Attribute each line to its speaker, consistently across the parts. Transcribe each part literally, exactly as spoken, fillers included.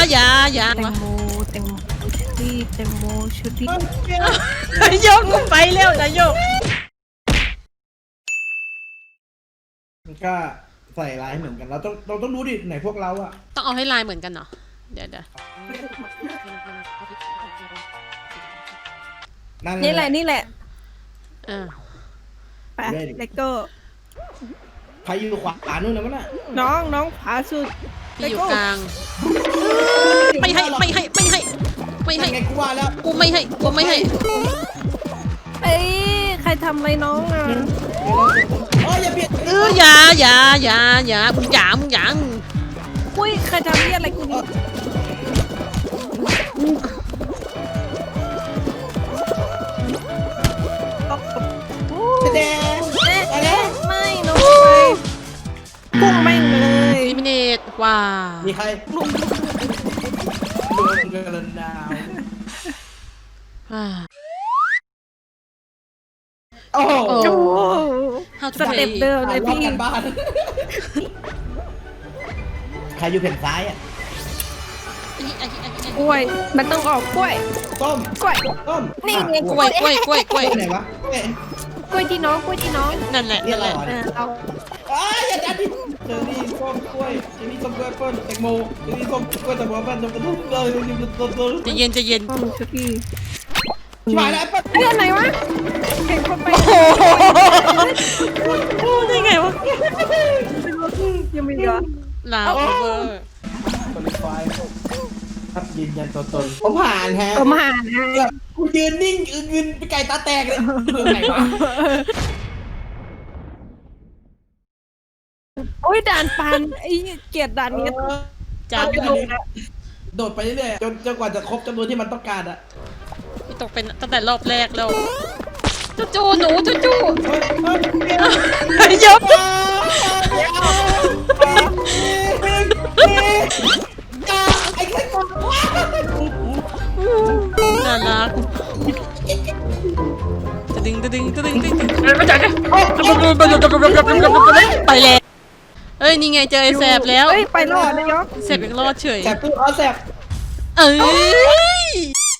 Speaker 1: อย่าอย่า
Speaker 2: แตงโมแตงโมชุดี้แตงโมชุดี้
Speaker 1: โยกกูไปแล้วนะโยก
Speaker 3: มันก็ใส่ลายเหมือนกันเราต้องเราต้องรู้ดิไหนพวกเราอะ
Speaker 1: ต้องเอาให้ลายเหมือนกันเนาะเดี๋ยวเดี๋ยว
Speaker 2: นี่แหละนี่แหละ
Speaker 1: อ่า
Speaker 2: ไปเลโก้
Speaker 3: ใครอยู่ขวานู่นนะมันน่ะ
Speaker 2: น้องน้องผาสุด
Speaker 1: พี่อยู่กลางไม่ให้ไม่ให้ไม่ให้ไม่ให้
Speaker 3: ไงกูว่าแล้ว
Speaker 1: กูไม่ให้กูไม่ให้
Speaker 2: เอ้ยใครทำอะไรน้องอ่ะ
Speaker 3: เอ้ยอย่าเบียด
Speaker 1: เอออย่าอย่าอย่าอย่ามึงอย่ามึงอย่า
Speaker 2: อุ้ยใครทำเนี่ยอะไรกูนี่
Speaker 3: แดง
Speaker 2: เอ๊ะเอ๊ะไม่น้องไปพุ่งแม่งเลย
Speaker 1: ลิมิเนตว้า
Speaker 3: มีใครลุงลุงกระดาว
Speaker 1: อ่า
Speaker 3: โอ้โห
Speaker 1: โอ้
Speaker 2: โอ้โห
Speaker 1: How to
Speaker 2: สเต็ปเดิมเลย
Speaker 3: รอบ
Speaker 2: พี่
Speaker 3: กันบ้านใครอยู่แผ่นซ้ายอะ
Speaker 2: กล้วยมันต้องออกกล้วย
Speaker 3: ต้ม
Speaker 2: กล้วย
Speaker 3: ต้ม
Speaker 2: นี่ไง
Speaker 1: กล้วยกล้วยกล้วยกล้วย
Speaker 3: ไหนวะเอ๊ะ
Speaker 2: กล้วยที่น้องกล้วยที่น้อง
Speaker 1: นั่นแหละ
Speaker 3: นี่
Speaker 1: นั่น
Speaker 3: อะไร
Speaker 1: แหละ
Speaker 3: วะ
Speaker 2: เอ
Speaker 3: เนี่ย
Speaker 2: อเอา
Speaker 3: อ้ายอย่าดันดิเจอรี่ส้มกล้วยเจอรี่ส้มกล้วยแอปเปิ้ลแตงโมเจอรี่ส้มกล้วยแตงโมแอปเปิ้ลต้มตุ้มเลยตุ้มตุ้ม
Speaker 1: ใจะเย็นใจะเย็น
Speaker 2: ต้มชุดี้
Speaker 3: ชิบหายแล้วแอปเปิ้ล
Speaker 2: เอ้ยอันไหนวะเห็นคนไป
Speaker 1: โอ้ได้ไงวะ
Speaker 2: ยังไม่เยอะ
Speaker 1: ลาวเวอร์
Speaker 3: คอลิฟายครับยืนยันตัวตนผมผ่านฮะ
Speaker 2: ผมหานะ
Speaker 3: กูยืนนิ่งเงินไปไก่ตาแตกเลยเรื่องไหนวะ
Speaker 2: โอ้ยด่านปันไอ้เกียรติด่านนี้
Speaker 1: จ้า
Speaker 3: โดดไปเรื่อยๆจนจนกว่าจะครบจำนวนที่มันต้องการอะ
Speaker 1: พี่ตกเป็นตั้งแต่รอบแรกแล้วจูจูหนูจูจู
Speaker 3: เฮ้ยเฮ้ย
Speaker 1: ยก
Speaker 3: ไอ้แค่คน
Speaker 1: น่ารักจะดึงจะดึงจะดึงจะดึงไปแล้วเอ้ยนี่ไงเจอไอ้แสบแล้ว
Speaker 2: เอ้ยไปรอดนายก
Speaker 1: แสบยังรอดเฉย
Speaker 3: แสบปุ๊บอ๋อแสบ
Speaker 1: เอ้ย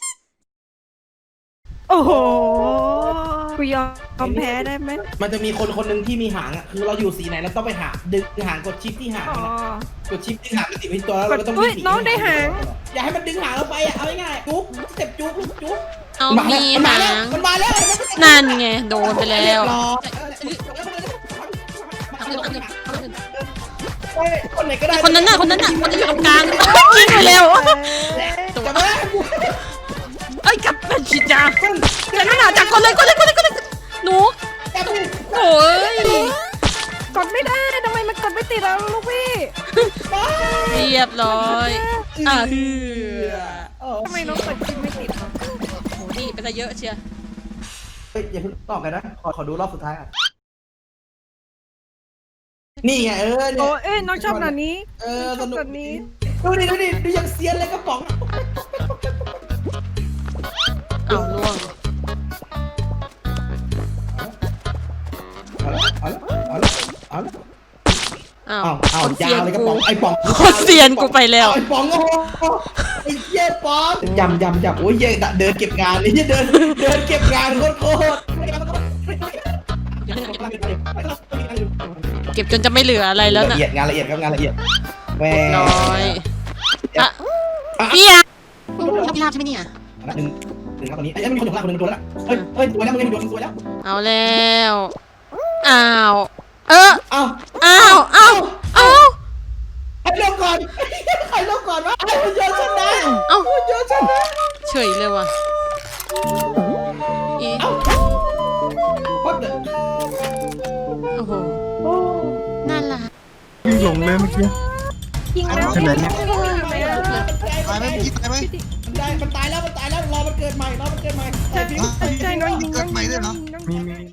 Speaker 2: โอ้โหกูยอมแพ้ได้ไหม
Speaker 3: มันจะมีคนคนหนึ่งที่มีหางอ่ะคือเราอยู่สีไหนเราต้องไปหาดึงหางกดชิปที่หาง
Speaker 2: อ๋อ
Speaker 3: กดชิปที่หางมันติดไว้ที่ตัวแล้วเราก็ต้อง
Speaker 2: เฮ้ย
Speaker 3: สี
Speaker 2: น้องได้หาง
Speaker 3: อย่าให้มันดึงหางเราไปอ่ะเอาง่ายๆจุ๊บสเต็ปจุ๊บลูกจุ๊บ
Speaker 1: เอามี
Speaker 3: มันมา
Speaker 1: หา
Speaker 3: แล้ว
Speaker 1: ง
Speaker 3: มันมาแล้ว
Speaker 1: นั่นไงโดนไปแล้ว
Speaker 3: รอคนไหนก็ได้
Speaker 1: คนนั้นน่ะคนนั้นน่ะคนที่อยู่ตรงกลางยิงไปแล้ว
Speaker 3: จับมา
Speaker 1: เอ้ยกลับมาชิจ้าจะนั่งหาจากคนเลยคนเลยคนเลยคนเลยหนู
Speaker 3: จับมือ
Speaker 1: โอ้ย
Speaker 2: กดไม่ได้ทำไมมันกดไม่ติดแล้วลูกพี่
Speaker 1: เรียบร้อยอ่ะเฮือ
Speaker 2: ทำไมน้องกดชิปไม่ติดวะ
Speaker 1: โหนี่เป็นอะไรเยอะเชีย
Speaker 3: เฮ้ยอย่าเพิ่งตอบกันนะขอขอดูรอบสุดท้ายอ่ะนี่ไงเออ
Speaker 2: โอ้
Speaker 3: เนี่ย
Speaker 2: เอ้ยน้องชอบด่านนี้
Speaker 3: เออส
Speaker 2: ชอบ
Speaker 3: นุก
Speaker 2: ด่านนี้
Speaker 3: ดูดิดูดิดูยังเซียนเลยกระป๋อง
Speaker 1: เอาล่วง
Speaker 3: เอาละเอาละเอาละ
Speaker 1: อ้าว
Speaker 3: เอาเอา
Speaker 1: คน
Speaker 3: ยา
Speaker 1: เซียน
Speaker 3: วเลยกระ
Speaker 1: กู
Speaker 3: ป๋องไอ้ป๋อง
Speaker 1: คนเซียนกูไปแล้ว
Speaker 3: ไอ้ป๋องโอ้โหไอ้เหี้ยป๋องยำยำยำโอ้ยเหี้ยเดินเก็บงานเลยเหี้ยเดินเดินเก็บงานโคตรโคตร
Speaker 1: เก็บจนจะไม่เหลืออะไรแล้ว
Speaker 3: ละ
Speaker 1: น่ะ
Speaker 3: เอียดงานละเอียดครับงานละเอียดแหม
Speaker 1: น้อยอ่ะ
Speaker 3: อ่ะ
Speaker 1: เฮียชอบพิราบใช่ไหมเนี่ย
Speaker 3: หนึ่งหนึ่งครับตอนนี้ไอ้ยมีคนอยู่ข้างหลังคนหนึ่งโดนแล้วเฮ้ยเฮ้ยตัวแล้วมึงยังโดนตัวแล้ว
Speaker 1: เอาแล้วอ้าวเออ
Speaker 3: เอ้า
Speaker 1: อ้าวอ้าวอ้าว
Speaker 3: ใครลงก่อนใครลงก่อนวะไอ้หุ่นยนต์ชนะ
Speaker 1: เอ้า
Speaker 3: หุ่นยนต์ชนะ
Speaker 1: เฉยเลยว่ะอี
Speaker 3: เอ้าพัดเลย
Speaker 1: โอ้โห
Speaker 3: โอ้
Speaker 1: น่ารัก
Speaker 4: วิ่งหลงเลยเมื่อกี้
Speaker 2: ยิงแล้ว
Speaker 4: ใช่ไหมเนี่ย
Speaker 5: ตายไหมพี่ตายไหม
Speaker 3: มันได้มันตายแล้วมันตายแล้วรอมันเกิดใหม่รอมันเกิดใหม่
Speaker 2: ใช่ใช่น้องยิง
Speaker 5: เกิดใหม่ด้วยเหรอ
Speaker 2: น้อง
Speaker 4: มี
Speaker 2: ยิง
Speaker 4: มี